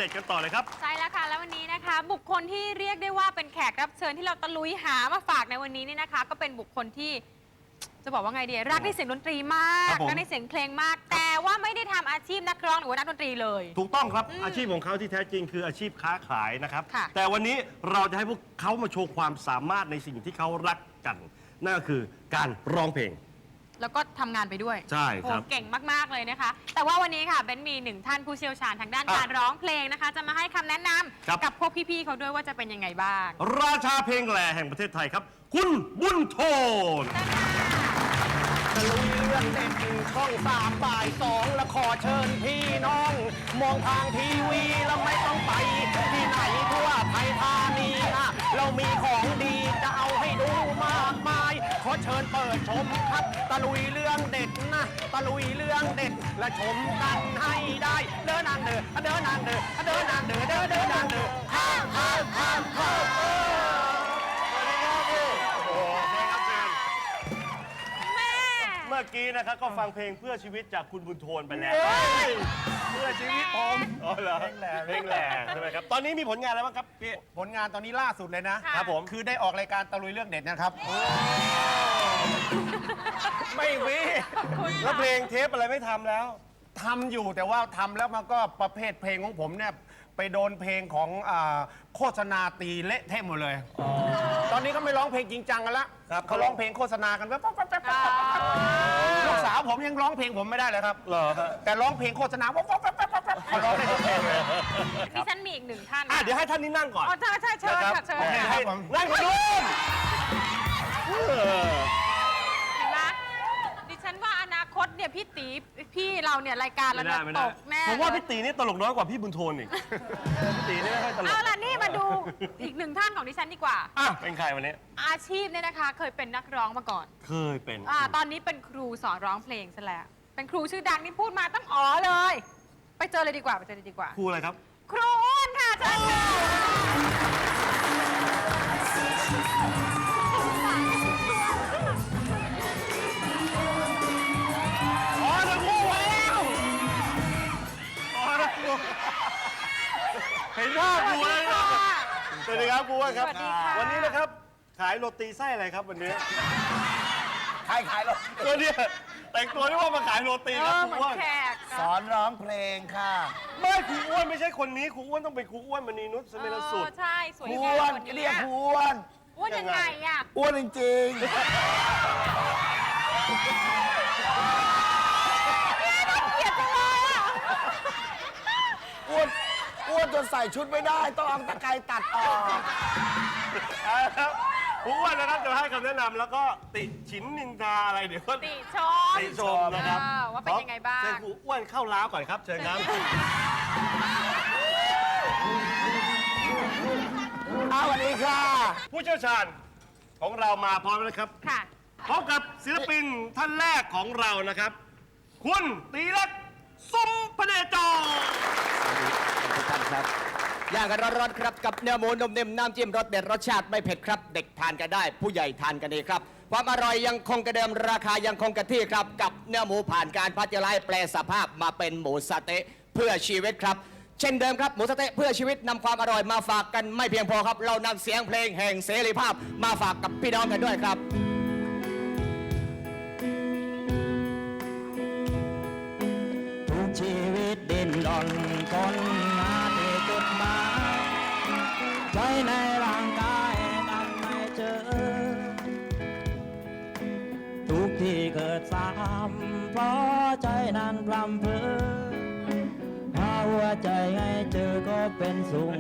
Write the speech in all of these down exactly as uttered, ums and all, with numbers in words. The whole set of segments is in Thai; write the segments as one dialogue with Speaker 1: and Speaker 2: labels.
Speaker 1: ด็ดกันต่อเลยครับ
Speaker 2: ใช่แล้วค่ะแล้ววันนี้นะคะบุคคลที่เรียกได้ว่าเป็นแขกรับเชิญที่เราตะลุยหามาฝากในวันนี้นี่นะคะก็เป็นบุคคลที่จะบอกว่าไงดีรักในเสียงดนตรีมากรักในเสียงเพลงมากแต่ว่าไม่ได้ทำอาชีพนักร้องหรือว่านักดนตรีเลย
Speaker 1: ถูกต้องครับอาชีพของเขาที่แท้จริงคืออาชีพค้าขายนะครับแต่วันนี้เราจะให้พวกเขามาโชว์ความสามารถในสิ่งที่เขารักกันนั่นก็คือการร้องเพลง
Speaker 2: แล้วก็ทำงานไปด้วย
Speaker 1: ใช่ครับ
Speaker 2: เก่งมากๆเลยนะคะแต่ว่าวันนี้ค่ะเบนมีหนึ่งท่านผู้เชี่ยวชาญทางด้านการร้องเพลงนะคะจะมาให้คำแนะนำกับพวกพี่ๆเขาด้วยว่าจะเป็นยังไงบ้าง
Speaker 1: ราชาเพลงแหล่แห่งประเทศไทยครับคุณบุญโทน
Speaker 3: ตะลุยเรื่องเด็ดช่องสามบ่ายสองและขอเชิญพี่น้อง มองทางทีวีแล้วไม่ต้องไปที่ไหนทั่วไทยธานีนะเรามีของดีจะเอาให้ดูมากมายขอเชิญเปิดชมครับตะลุยเรื่องเด็ดนะตะลุยเรื่องเด็ดและชมกันให้ได้เดินนางเดินเดินนางเดินเดินนางเดินเดินเดินนางเดินข้ามข้ามข้ามข้าม
Speaker 1: เมื่อกี้นะครับก็ฟังเพลงเพื่อชีวิตจากคุณบุญโทนไปแล้วเพื่อชีวิตผมอ๋อเหรอเพลงแหล่เพลงแหล่ใช่ไหมครับตอนนี้มีผลงานอะไรบ้างครับพี่
Speaker 3: ผลงานตอนนี้ล่าสุดเลยนะครับผมคือได้ออกรายการตะลุยเรื่องเด็ดนะครับ
Speaker 1: ไม่มีแล้วเพลงเทปอะไรไม่ทำแล้ว
Speaker 3: ทำอยู่แต่ว่าทำแล้วมันก็ประเภทเพลงของผมเนี่ยไปโดนเพลงของโฆษณาตีเละเทะหมดเลยตอนนี้ก็ไม่ร้องเพลงจริงจังกันละเขาร้องเพลงโฆษณากันแป๊บแป๊บแป๊บแป๊บลูกสาวผมยังร้องเพลงผมไม่ได้เลยครับแต่ร้องเพลงโฆษณาแป๊บแป๊บแป๊บแป๊บแป๊บเขาร้องได้ทุกเพลงเลย
Speaker 2: ดิฉันมีอีกหนึ่งท่าน
Speaker 1: เดี๋ยวให้ท่านนี้นั่งก่อน
Speaker 2: อ๋อใช่ใช่เชิญค่ะเชิญ
Speaker 1: นั่งก่อนดู
Speaker 2: ฉันว่าอนาคตเนี่ยพี่ตีพี่เราเนี่ยรายการเราเนี่ยตกแน่
Speaker 1: ผมว่าพี่ตีนี่ตลกน้อยกว่าพี่บุญโทนอีกพี่ตีนี่ไม่ค่อยตลก
Speaker 2: เอาล่ะนี่มาดูอีกหนึ่งท่านของดิฉันดีกว่า
Speaker 1: อ่ะเป็นใครวันนี้
Speaker 2: อาชีพเนี่ยนะคะเคยเป็นนักร้องมาก่อน
Speaker 1: เคยเป็น
Speaker 2: อ่าตอนนี้เป็นครูสอนร้องเพลงซะแล้วเป็นครูชื่อดังนี่พูดมาตั้งอ๋อเลยไปเจอเลยดีกว่าไปเจอเลยดีกว่า
Speaker 1: ครูอะไรครับ
Speaker 2: ครูอ้วนค่ะเชิญค่ะ
Speaker 1: เห็นหน้าครูเลยครับสวัสดีครับครูครับวันนี้นะครับขายโรตีไส้อะไรครับวันนี้
Speaker 3: ขายขายโรตี
Speaker 1: ตัวนี้แต่งตัวนี่ว่ามาขายโรตีครับครูอ้วน
Speaker 3: สอนร้องเพลงค่ะ
Speaker 1: ไม่ครูอ้วนไม่ใช่คนนี้ครูอ้วนต้องเป็นครูอ้วนมณีนุชสมิรสุด
Speaker 2: ใช่สวย
Speaker 3: แก่คนนี้เรียกครูอ้วน
Speaker 2: อ้วนยังไงอ่ะ
Speaker 3: อ้วนจริงอ้วนอ้วนจนใส่ชุดไม่ได้ต้องเอาตะไคร้ตัดออก
Speaker 1: ครูอ้วนนะครับจะให้คำแนะนำแล้วก็ติฉินนินทาอะไรเดี๋ยวก็
Speaker 2: ติชม
Speaker 1: ติชมนะครับ
Speaker 2: ว่าเป็นยังไงบ้าง
Speaker 1: เชิญครูอ้วนเข้าล้าวก่อนครับเชิญครับ
Speaker 3: สวัสดีค่ะ
Speaker 1: ผู้เชี่ยวชาญของเรามาพร้อมแล้วครับ
Speaker 2: ค่ะ
Speaker 1: พบกับศิลปินท่านแรกของเรานะครับคุณตีรักสมพเนจร
Speaker 4: ทุกท่านครับย่างกันร้อนๆครับกับเนื้อหมูนมเนมน้ำจิ้มรสเด็ดรสชาติไม่เผ็ดครับเด็กทานกันได้ผู้ใหญ่ทานกันดีครับความอร่อยยังคงกระเดิมราคายังคงกระที่ครับกับเนื้อหมูผ่านการพัชไลแปลสภาพมาเป็นหมูสะเต๊ะเพื่อชีวิตครับเช่นเดิมครับหมูสะเต๊ะเพื่อชีวิตนำความอร่อยมาฝากกันไม่เพียงพอครับเรานำเสียงเพลงแห่งเสรีภาพมาฝากกับพี่น้องกันด้วยครับ
Speaker 5: ทุกชีวิตดิ้นรนคนหาที่จุดหมายใจในร่างกายนั้นไม่เจอทุกที่เกิดซ้ำเพราะใจนั้นพรำเพอหาหัวใจให้เจอก็เป็นสุข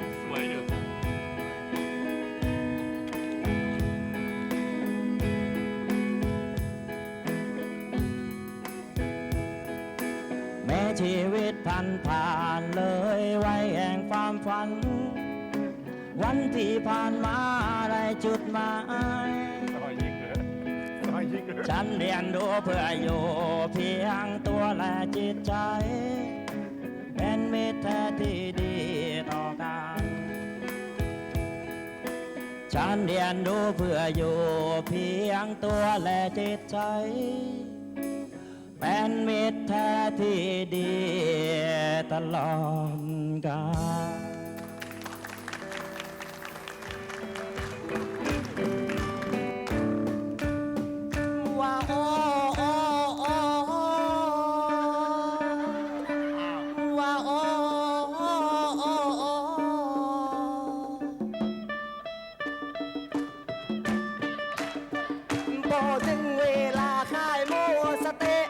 Speaker 5: แม้ชีวิตผ่านผ่านเลยไว้แห่งความฝันวันที่ผ่านมาได้จุดหมายฉันเรียนรู้เพื่ออยู่เพียงตัวและจิตใจเป็นมิตรแท้ที่ดีต่อกันฉันเรียนรู้เพื่ออยู่เพียงตัวและจิตใจเป็นมิตรแท้ที่ดีตลอดกาล
Speaker 3: ว่าโอ้โอ้โอ้ว่าโอ้โอ้โอ้โอ้พอถึงเวลาขายหมูสะเต๊ะ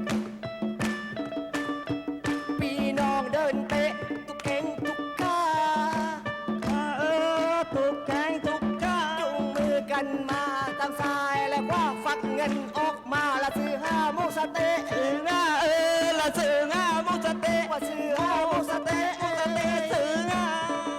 Speaker 3: พี่น้องเดินเตะทุกเข่งทุกขาเออทุกแข่งทุกขาจุงมือกันมาทางซ้ายและขวาฟักเงินออกมาละซื้อห้าหมูสะเต๊ะซื้อห้าเออละซื้อห้าหมูสะเต๊ะว่าซื้อห้าหมูสะเต๊ะหมูสะเต๊ะซื้อห้า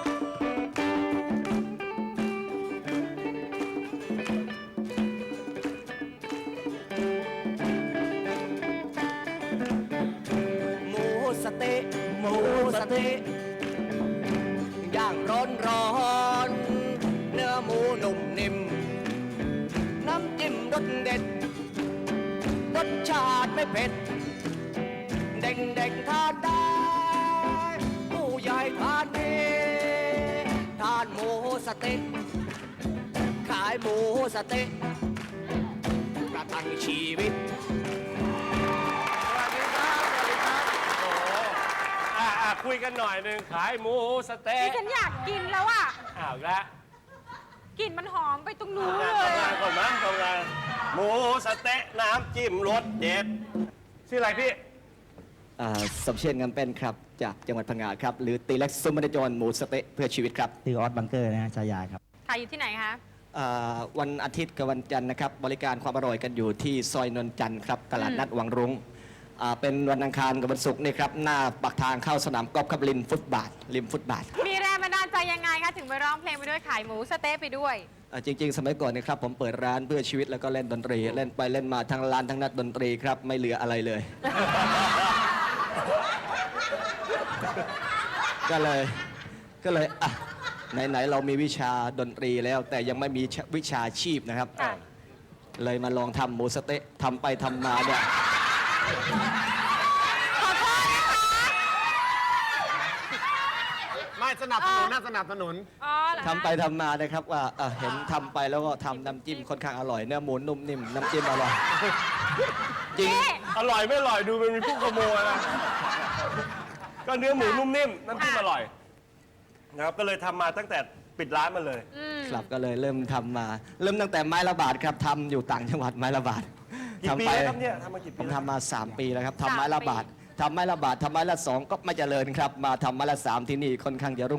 Speaker 3: หมูสะเต๊ะหมูสะเต๊ะย่างร้อนร้อนเนื้อหมูนุ่มนิ่มน้ำจิ้มรสเด็ดรสชาติไม่เผ็ดเด็กเด็กๆทานได้ผู้ใหญ่ทานดีทานหมูสะเต๊ะขายหมูสะเต๊ะประทังชีวิต
Speaker 1: สวัสดีครับสวัสดีครับโอ้โหอ่ะอ่ะคุยกันหน่อยหนึ่งขายหมูสะเต๊ะ
Speaker 2: ดิฉันอยากกินแล้วอ่ะ
Speaker 1: อ้าวอีกแล้ว
Speaker 2: กลิ่นมันหอมไปตรงนู้น
Speaker 1: ทำ
Speaker 2: เลย
Speaker 1: งานก่อนมั้ยทำงานหมูสะเต๊ะน้ำจิ้มรสเด็ดชื่ออะไรพี่
Speaker 4: อ่าสมเชษฐ์งามเป็นครับ จากจังหวัดพังงาครับ หรือตีเล็กซุมมันจรหมูสะเต๊ะเพื่อชีวิตครับ
Speaker 5: ชื่อออสบังเกอร์นะฮะชายาครับ
Speaker 2: ขายอยู่ที่ไหนคะ
Speaker 4: อ่าวันอาทิตย์กับวันจันทร์นะครับ บริการความอร่อยกันอยู่ที่ซอยนนจันทร์ครับ ตลาดนัดวังรุ้งอ่าเป็นวันอังคารกับวันศุกร์นี่ครับ หน้าปากทางเข้าสนามกอล์ฟครับริมฟุตบาทริมฟุตบาท
Speaker 2: มีแรงบันดาลใจยังไงคะถึงไปร้องเพลงไปด้วยขายหมูสะเต๊ะไปด้วย
Speaker 4: อ่าจริง ๆ สมัยก่อนนะครับผมเปิดร้านเพื่อชีวิตแล้วก็เล่นดนตรี เล่นไปเล่นมาทั้งร้านทั้งนักดนตรีครับไม่เหลืออะไรเลย ก็เลยก็เลยอ่ะไหนๆเรามีวิชาดนตรีแล้ว แต่ยังไม่มีวิชาชีพนะครับ
Speaker 2: ค่ะ
Speaker 4: เลยมาลองทำหมูสะเต๊ะทำไปทำมาเนี่ย
Speaker 2: ขอโทษนะคะ
Speaker 3: ไม่สนับสนุนนะสนับสนุน
Speaker 2: อ๋อเหรอคะ
Speaker 4: ทำไปทำมานะครับว่าอ่ะเห็นทำไปแล้วก็ทำน้ำจิ้มค่อนข้างอร่อยเนื้อหมูนุ่มนิ่มน้ำจิ้มอร่อยจริง
Speaker 2: นี่
Speaker 1: อร่อยไม่อร่อยดูมันมีผู้ขโมยนะก็เนื้อหมูนุ่มนิ่มน้ำจิ้มอร่อยนะครับก็เลยทำมาตั้งแต่ปิดร้านมาเลย
Speaker 2: อืม
Speaker 4: ครับก็เลยเริ่มทำมา เริ่มตั้งแต่ไม้ละบาทครับทำอยู่ต่างจังหวัดไม้ละบาท
Speaker 1: กี่ปี
Speaker 4: ทำไป
Speaker 1: แล้วครับเนี่ยทำมากี่
Speaker 4: ผ
Speaker 1: ปี
Speaker 4: ม
Speaker 1: แล้ว
Speaker 4: ทำมา 3 ปีแล้วครับ
Speaker 2: สาม
Speaker 4: ทำไม้ละ
Speaker 2: ปี
Speaker 4: บาททำไม้ละบาททำไม้ละสองก็ไม่เจริญครับ มาทำไม้ละสามที่นี่ค่อนข้างจะรุ่ง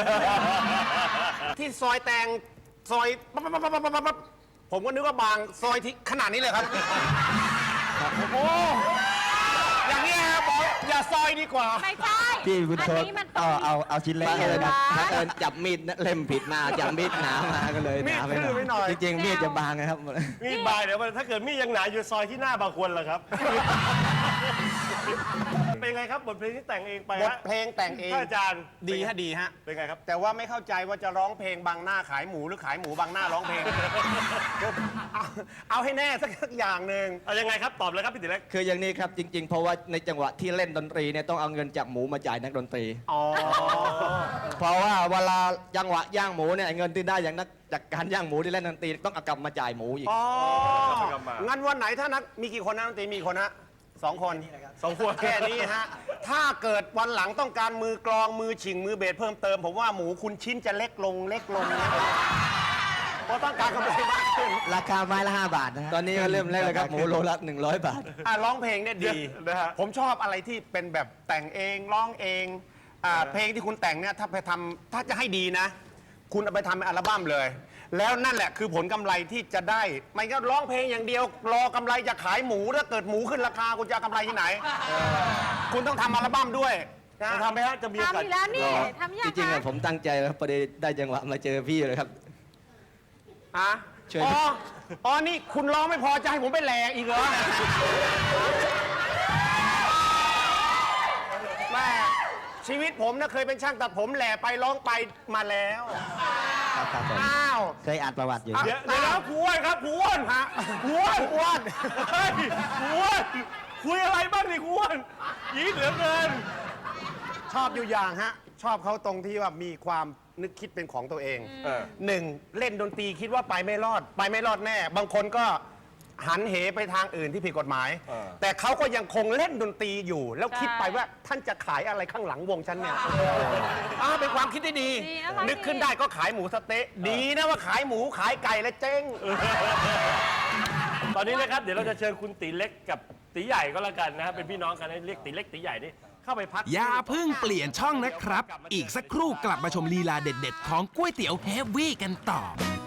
Speaker 3: ที่ซอยแตงซอยปั๊บปั๊บปั๊บปั๊บปั๊บปั๊บผมก็นึกว่าบางซอยที่ขนาดนี้เลยครับ โอ้อย่างนี้ครับบอกอย่าซอยดีกว่า
Speaker 2: ไม่ใช่
Speaker 5: พี่บุญ
Speaker 2: อั
Speaker 5: โท
Speaker 2: น
Speaker 5: ษ
Speaker 2: นี้มัน
Speaker 5: เอาเอาเอาชิ้นเล็ก
Speaker 4: บัง
Speaker 5: เล
Speaker 4: เอิ
Speaker 5: ย
Speaker 4: ญ
Speaker 5: ครับ
Speaker 4: บังเอิญจับมีดเล่มผิดมาจับมีดหนามาก็เลยหนาไป
Speaker 3: มีดทื่อไปหน่อย
Speaker 4: จริงๆมีดจะบางนะครับ
Speaker 1: มีดบายเดี๋ยวมันถ้าเกิดมีดยังหนาอยู่ซอยที่หน้าบางคนล่ะครับ เป็นไงครับบทเพลงที่แต่งเองไป
Speaker 3: บท
Speaker 1: ฮะ
Speaker 3: เพลงแต่งเอง
Speaker 1: ท่านอาจารย์
Speaker 3: ดีฮะดีฮะ
Speaker 1: เป็นไงครับ
Speaker 3: แต่ว่าไม่เข้าใจว่าจะร้องเพลงบางหน้าขายหมูหรือขายหมูบางหน้าร้องเพลง เอาเอาให้แน่สักอย่างหนึ่ง
Speaker 1: เอายังไงครับตอบเลยครับพี่ติเล็ก
Speaker 4: คืออย่างนี้ครับจริง ๆ เพราะว่าในจังหวะที่เล่นดนตรีเนี่ยต้องเอาเงินจากหมูมาจ่ายนักดนตรี
Speaker 3: อ๋อ
Speaker 4: เพราะว่าเวลาจังหวะย่างหมูเนี่ยเงินที่ได้อย่างนักจากการย่างหมูที่เล่นดนตรีต้องเอากลับมาจ่ายหมูอีก
Speaker 3: อ๋อ
Speaker 1: กลับมา
Speaker 3: งั้นวันไหนถ้านักมีกี่คนนะดนตรีมีกี่คนฮะสองคน
Speaker 1: สองขวด
Speaker 3: แค่นี้ฮะ ถ้าเกิดวันหลังต้องการมือกลองมือฉิงมือเบสเพิ่มเติม ผมว่าหมูคุณชิ้นจะเล็กลงเล็กลงนะเพราะต้องการกำไรมากขึ้น
Speaker 5: ราคาไม้ละห้าบาทนะฮะ
Speaker 4: ตอนนี้ก็เริ่มแรกเลยครับหมูโลละหนึ่งร้อยบาท
Speaker 3: อ่ะร้องเพลงเนี่ยดี
Speaker 1: นะฮะ
Speaker 3: ผมชอบอะไรที่เป็นแบบแต่งเองร้องเองอ่าเพลงที่คุณแต่งเนี่ยถ้าไปทำถ้าจะให้ดีนะ คุณเอาไปทำเป็นอัลบั้มเลย แล้วนั่นแหละคือผลกำไรที่จะได้ไม่ก็ร้องเพลงอย่างเดียว รอกำไรจะขายหมูถ้าเกิดหมูขึ้นราคาคุณจะเอากำไรที่ไหน คุณต้องทำอัลบั้มด้วยนะ
Speaker 1: จะทำไหมฮะจะมีโอกาส
Speaker 2: ทำอีกแล้วนี่ทำยั
Speaker 4: จ
Speaker 2: ง
Speaker 4: ริงๆ
Speaker 2: คะ
Speaker 4: อะผมตั้งใจแล้วพอดีได้จังหวะมาเจอพี่เลยครับ
Speaker 3: อ่ะ
Speaker 4: ช่วย
Speaker 3: อ๋ออ๋อนี่คุณร้องไม่พอจะให้ผมไปแหลกอีกเหรอแม่ชีวิตผมนะเคยเป็นช่างตัดผมแหล่ไปร้องไปมาแล้ว
Speaker 5: ครับครับผม
Speaker 3: อ้าว
Speaker 5: เคยอ่านประวัติอยู่
Speaker 1: เดี๋ยวเดี๋ยวนะครูอ้วนครับครูอ้วน
Speaker 3: ฮะ
Speaker 1: ครูอ้วน
Speaker 3: อ้วน
Speaker 1: เฮ้ยครูอ้วนคุยอะไรบ้างนี่คุณยีดเหลือเกิน
Speaker 3: ชอบอยู่อย่างฮะ ชอบเขาตรงที่ว่ามีความนึกคิดเป็นของตัวเอง
Speaker 1: เออ
Speaker 3: หนึ่งเล่นดนตรีคิดว่าไปไม่รอด ไปไม่รอดแน่ บางคนก็หันเหไปทางอื่นที่ผิดกฎหมาย แต่เขาก็ยังคงเล่นดนตรีอยู่ แล้วคิดไปว่าท่านจะขายอะไรข้างหลังวงฉันเนี่ยอ่าเป็นความคิดที่ดี
Speaker 2: ดีนะคะ
Speaker 3: นึกขึ้นได้ก็ขายหมูสะเต๊ะดีนะว่าขายหมูขายไก่และเจ๊ง
Speaker 1: ตอนนี้นะครับเดี๋ยวเราจะเชิญคุณตีเล็กกับตีใหญ่ก็แล้วกันนะครับเป็นพี่น้องกันให้เรียกตีเล็กตีใหญ่นี่เข้าไปพัก
Speaker 6: อย่าเพิ่งเปลี่ยนช่องนะครับ อีกสักครู่กลับมาชมลีลาเด็ดๆ ของก๋วยเตี๋ยวเฮฟวี่กันต่อ